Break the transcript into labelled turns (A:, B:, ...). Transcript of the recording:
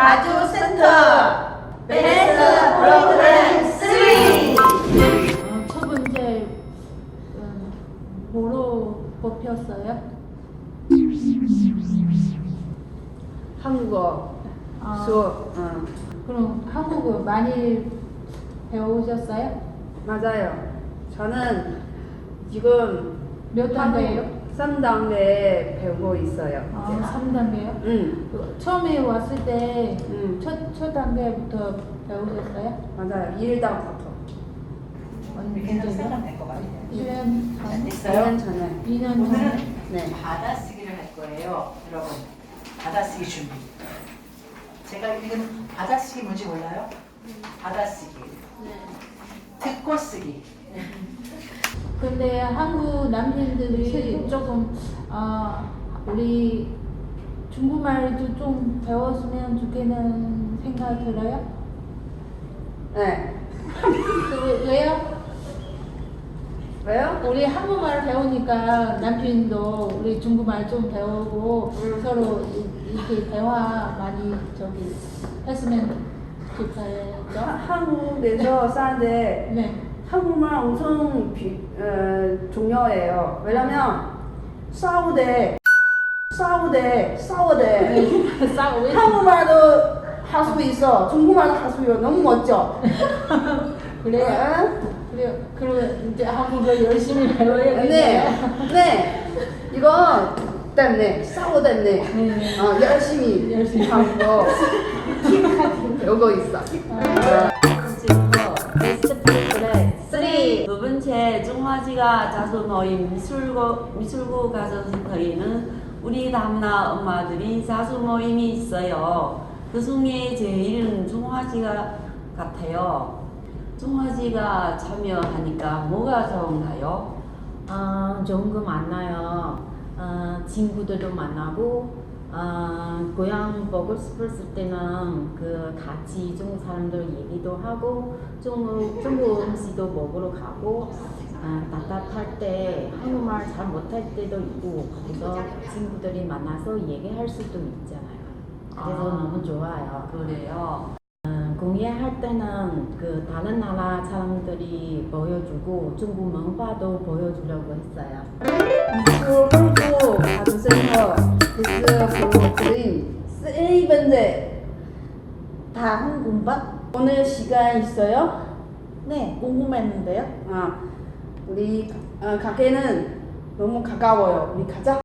A: 가주센터 베스트 프로그램 3.
B: 첫 번째 뭐로 뽑혔어요?
A: 한국어
B: 아,
A: 수업.
B: 그럼 한국어 많이 배우셨어요?
A: 맞아요. 저는 지금
B: 몇 단계예요?
A: 3단계 배우고 있어요.
B: 아,
A: 이제.
B: 3단계요? 처음에 왔을 때 첫 단계부터 배우셨어요?
A: 맞아요. 1단부터.
C: 괜찮으면 될것 같아요.
B: 1년 전?
C: 됐어요?
A: 2년 전에.
B: 2년
C: 오늘은
B: 전에?
A: 네.
C: 받아쓰기를 할 거예요, 여러분. 받아쓰기 준비. 제가 지금 받아쓰기 뭔지 몰라요? 받아쓰기. 듣고 쓰기.
B: 근데 한국 남편들이 조금 우리 중국말도 좀 배웠으면 좋겠는 생각 들어요?
A: 네.
B: 왜요?
A: 왜요?
B: 우리 한국말 배우니까 남편도 우리 중국말 좀 배우고 서로 이렇게 대화 많이 했으면 좋겠죠?
A: 한국에서 사는데
B: 네.
A: 한국말 엄청 중요해요. 왜냐면 싸우대
B: 싸우고
A: 한국말도 할 수 있어. 중국말도 할 수 있어. 너무 멋져.
B: 그래요? 그럼 이제 한국어 열심히 배워야겠네요.
A: 네. 이거 때문에 싸우 때문에 열심히 한국어 배우고 있어.
D: 지금부터 베스트 프로그램 3. 두 번째 중화지가 자수 모임 미술고 가정센터에는 우리 담나 엄마들이 자수 모임이 있어요. 그 중에 제일은 중화지가 같아요. 중화지가 참여하니까 뭐가 좋은가요?
E: 좋은 거 만나요. 친구들도 만나고, 고향 보고 싶었을 때는 같이 중국 사람들 얘기도 하고, 중국 음식도 먹으러 가고, 답답할 때 한국말 잘 못할 때도 있고, 그래서 친구들이 만나서 얘기할 수도 있잖아요. 그래서 너무 좋아요.
D: 그래요.
E: 공예할 때는 다른 나라 사람들이 보여주고 중국 문화도 보여주려고 했어요.
A: 미술고 가주센터 베스트 프로그램 3번째 다 한국말? 오늘 시간 있어요?
B: 네, 궁금했는데요.
A: 우리 가게는 너무 가까워요. 우리 가자.